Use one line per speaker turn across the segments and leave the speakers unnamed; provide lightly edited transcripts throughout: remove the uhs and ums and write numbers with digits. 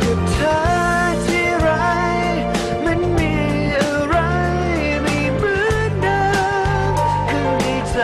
กับเธอที่ไรมันมีอะไรไม่เหมือนเดิมข้างในใจ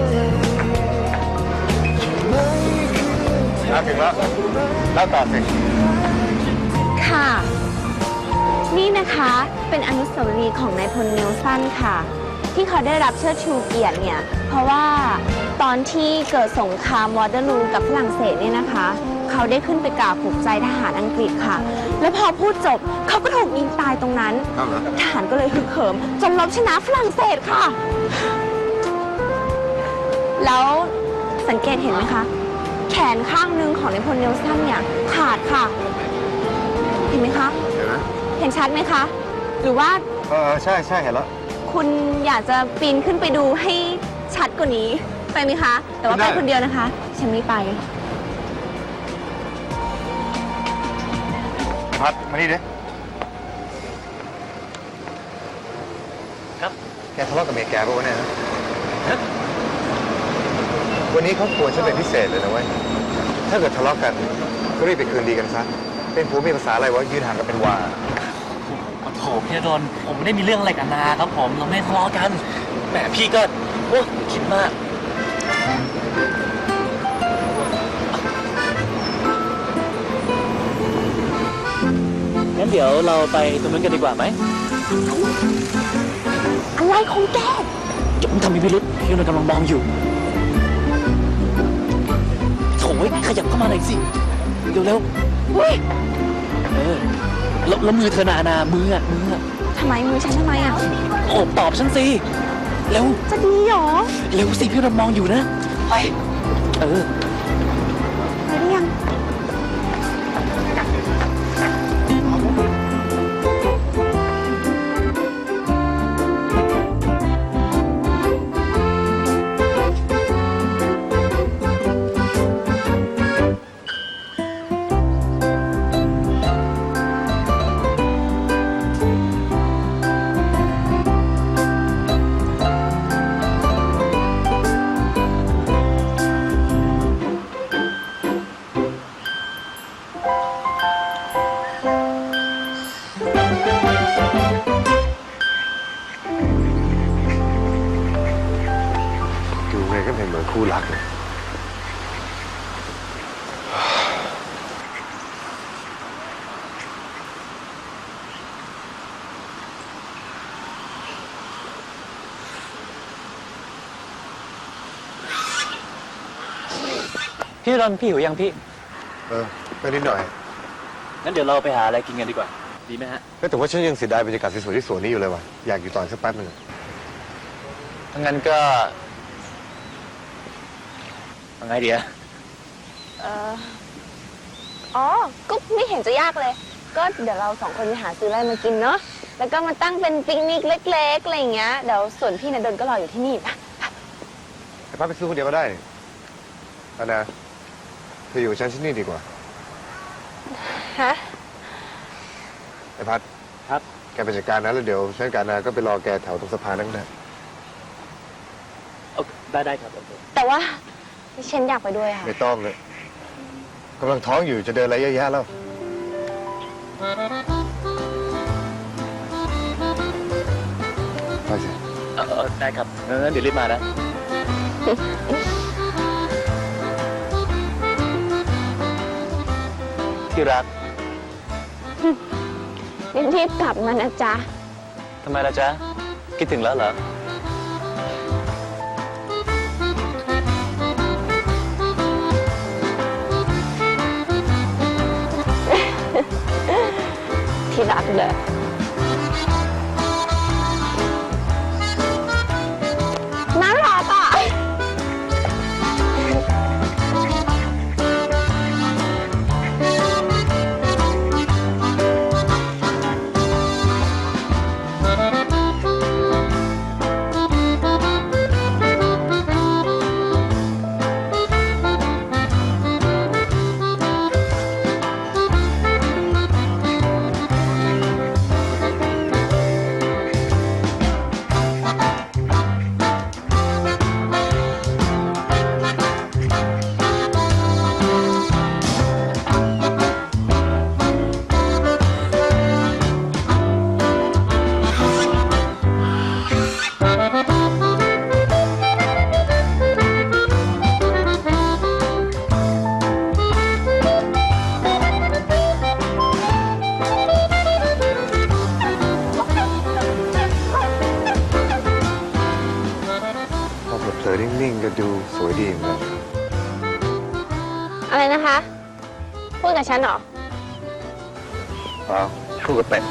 ไม่คือเธอ
ถึงแล้วแล้วต่อสิ
ค่ะ นี่นะคะเป็นอนุสาวรีย์ของนายพลเนลสันค่ะ ที่เขาได้รับเชิดชูเกียรติเนี่ยเพราะว่าตอนที่เกิดสงครามวอเตอร์ลูกับฝรั่งเศสเนี่ยนะคะ เขาได้ขึ้นไปกล่าวปลุกใจทหารอังกฤษค่ะ แล้วพอพูดจบเขาก็ถูกยิงตายตรงนั้นทหารก็เลยฮึกเหิมจนรบชนะฝรั่งเศสค่ะ แล้วสังเกตเห็นไหมคะแขนข้างหนึ่งของนายพลเนลสันเนี่ยขาดค่ะ เห็นไหมคะ
เห็นไหม
เห็นชัดไหมคะ หรือว่า
ใช่ใช่เห็นแล้ว
คุณอยากจะปีนขึ้นไปดูให้ชัดกว่านี้ไปไหมคะ แต่ว่าไปคนเดียวนะคะ ฉันไม่ไป
พัดมานี่ดิ
ครับ
แกทะเลาะกับเมียแกป่ะวะเนี่ยนะวันนี้เขาควรฉันเป็นพิเศษเลยนะเว้ย ถ้าเกิดทะเลาะกันก็รีบไปคืนดีกันซะ เป็นผัวเมียภาษาอะไรวะยืนห่างกันเป็นวา
โอ้โหพี่ดนผมไม่ได้มีเรื่องอะไรกับนาครับผมเราไม่ทะเลาะกันแหมพี่ก็โอ้คิดมากงั้นเดี๋ยวเราไปตรงนั้นกันดีกว่าไหม
อะไรของแก
อย่าเพิ่งทำมีพิรุษพี่ดนกำลังมองอยู่โถ่ขยับเข้ามาหน่อยสิเร็ว
อุ้ย
ๆแล้วมือเธอนามืออะ
ทำไมมือฉันทำไมอ่ะ
โอบตอบฉันสิเร็ว
จะดีเหรอ
เร็วสิพี่ดนมองอยู่นะไป
ไปหรือยัง
ดูไงก็เป็นเหมือนคู่รักเลย
พี่ดนพี่หิวยังพี่
ไปนิดหน่อย
งั้นเดี๋ยวเราไปหาอะไรกินกันดีกว่า ดีไหมฮะ
แต่ว่าฉันยังเสียดายบรรยากาศสวยๆที่สวนนี้อยู่เลยว่ะ อยากอยู่ต่อสักแป๊บหนึ่ง
ถ้างั้นก็ยังไงดีอะ
อ๋อ ก็ไม่เห็นจะยากเลย ก็เดี๋ยวเราสองคนไปหาซื้ออะไรมากินเนาะ แล้วก็มาตั้งเป็นปิกนิกเล็กๆอะไรอย่างเงี้ย เดี๋ยวส่วนพี่ณดลก็รออยู่ที่นี่ปะ
แต่ป้าไปซื้อคนเดียวก็ได้อันนะเธออยู่กับฉันที่นี่ดีกว่า
ฮะ
ไอ้พัด
ครับ
แกไปจัดการนะแล้วเดี๋ยวฉันกับนาก็ไปรอแกแถวตรงสะพานนั่นแหละ
ได้ครับโอเค
แต่ว่าฉันอยากไปด้วยค่ะ
ไม่ต้องเลยกำลังท้องอยู่จะเดินอะไรเยอะแยะแล้วไปสิ
ได้ครับงั้นเดี๋ยวรีบมานะ ที่รัก
รีบๆกลับมานะจ๊ะ
ทำไมล่ะจ๊ะ คิดถึงแล้วเหรอ
ที่รักเด้อน่ารักอ่ะนะคะ พูดกับฉันเหรอ
เปล่าพูดกับเป็ด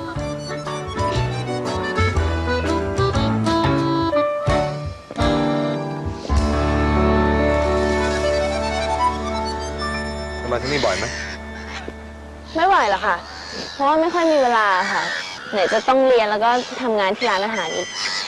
มาที่นี่บ่อยไหม
ไม่ไหวหรอกค่ะ เพราะว่าไม่ค่อยมีเวลาค่ะ ไหนจะต้องเรียนแล้วก็ทำงานที่ร้านอาหารอีก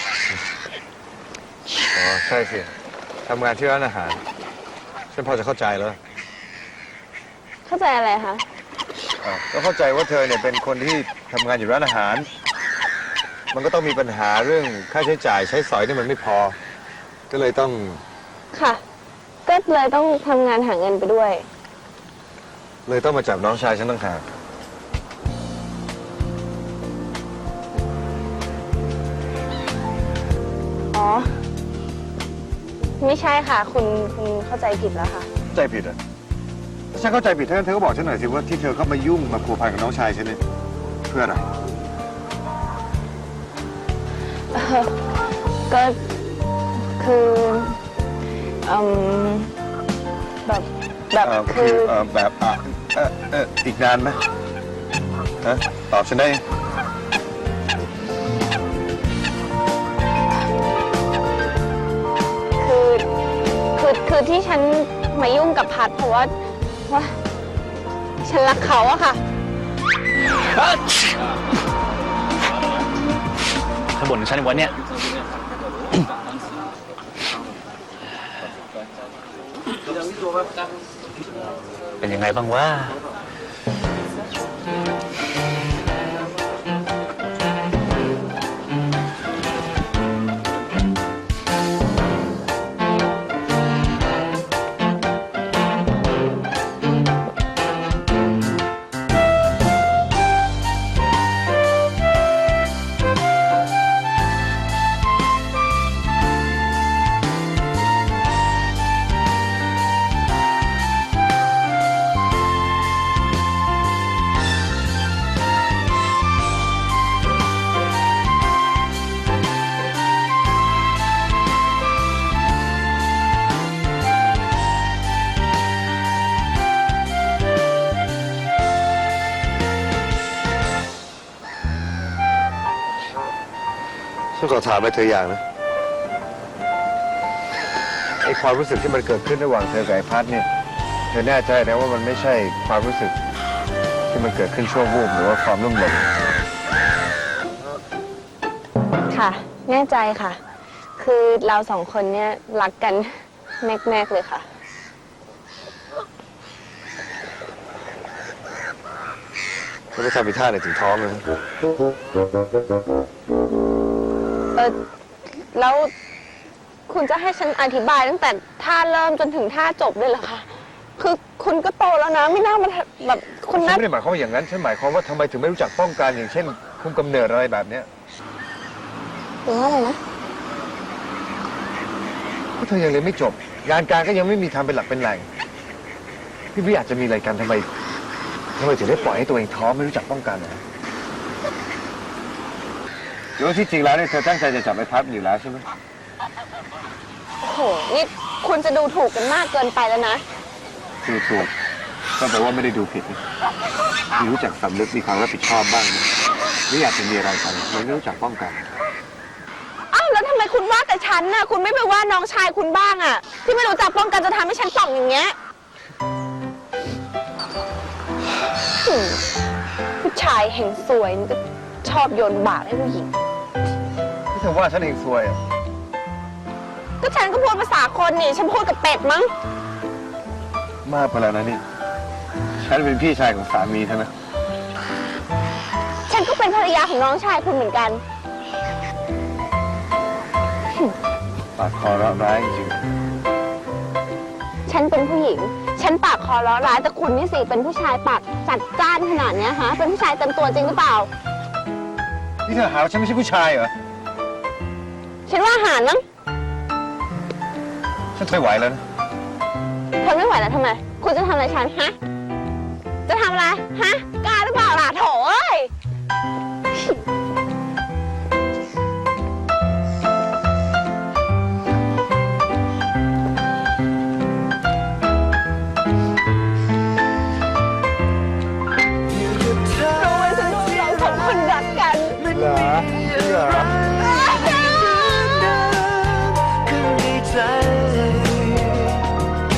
อ๋อ ใช่สิ ทำงานที่ร้านอาหาร ฉันพอจะเข้าใจแล้ว
เข้าใจอะไรคะ
ก็เข้าใจว่าเธอเนี่ยเป็นคนที่ทำงานอยู่ร้านอาหาร มันก็ต้องมีปัญหาเรื่องค่าใช้จ่ายใช้สอยที่มันไม่พอ ก็เลยต้อง
ค่ะ ก็เลยต้องทำงานหาเงินไปด้วย
เลยต้องมาจับน้องชายฉันต่างหาก
อ๋อ ไม่ใช่ค่ะ คุณเข้าใจผิดแล้วค่ะ
เข้าใจผิดเหรอถ้าฉันเข้าใจผิดเธอก็บอกฉันหน่อยสิว่าที่เธอเข้ามายุ่งมาพัวพันกับน้องชายฉันเนี่ยเพื่ออะไร
ก็คือแบบคือ
แบบอีกนานไหมฮะตอบฉันได้
คือที่ฉันมายุ่งกับพัดเพราะว่าฉันรักเขาอะค่ะ
ถ้าบ่นถึงฉันในวันเนี้ย เป็นยังไงบ้างวะ
ฉันขอถามอะไรเธออย่างนะไอความรู้สึกที่มันเกิดขึ้นระหว่างเธอกับไอพัดเนี่ยเธอแน่ใจนะว่ามันไม่ใช่ความรู้สึกที่มันเกิดขึ้นชั่ววูบหรือว่าความลุ่มหลง
ค่ะ แน่ใจค่ะ คือเราสองคนเนี่ยรักกันแมกๆเลยค่ะ
แล้วไปทำอีท่าไหนถึงท้องเลย
แล้วคุณจะให้ฉันอธิบายตั้งแต่ท่าเริ่มจนถึงท่าจบเลยเหรอคะ คือคุณก็โตแล้วนะ ไม่น่ามาแบบคุณ
ฉั
น่าน
ไม่ได้หมายความว่าอย่างนั้น ฉันหมายความว่าทำไมถึงไม่รู้จักป้องกันอย่างเช่น คุมกำเนิดอะไรแบบเนี้ย
หรือว่าอะไรนะ
เพราะเธอยังเรียนไม่จบ งานการก็ยังไม่มีทำเป็นหลักเป็นแหล่งพี่ไม่อยากจะมีอะไรกันทำไมถึงได้ปล่อยให้ตัวเองท้องไม่รู้จักป้องกันนะหรือว่าที่จริงแล้วเนี่ยเธอตั้งใจจะจับไอ้พัดอยู่แล้วใช่ไหม
โอ้โห นี่คุณจะดูถูกกันมากเกินไปแล้วนะ
คือถูกก็แปลว่าไม่ได้ดูผิดนะมีรู้จักสำนึกมีความรับผิดชอบบ้างนะไม่อยากจะมีอะไรกันไม่รู้จักป้องกัน
อ้าวแล้วทำไมคุณว่าแต่ฉันน่ะ คุณไม่ไปว่าน้องชายคุณบ้างอะที่ไม่รู้จักป้องกันจะทำให้ฉันป่องอย่างเงี้ยผู้ชายเห็นสวยมันก็ชอบโยนบาปให้ผู้หญิง
ที่เธอว่าฉันเองซวยอ่ะ
ก็ฉันก็พูดภาษาคนนี่ ฉันพูดกับเป็ดมั้ง
มากไปแล้วนะนี่ ฉันเป็นพี่ชายของสามีเธอนะ
ฉันก็เป็นภรรยาของน้องชายคุณเหมือนกัน
ปากคอร้ร้ายจริง
ฉันเป็นผู้หญิง ฉันปากคอร้อร้ายแต่คุณนี่สิเป็นผู้ชายปากจัดจ้านขนาดเนี้ยฮะ เป็นผู้ชายเต็มตัวจริงหรือเปล่า
นี่เธอหาว่าฉันไม่ใช่ผู้ชายเหรอ
ฉันว่าอาหารมั้ง
ฉันไม่ไหวแล้วนะ
ทนไม่ไหวแล้วทำไม คุณจะทำอะไรฉันฮะ จะทำอะไรฮะ กล้าหรือเปล่าล่ะโถเอ้ย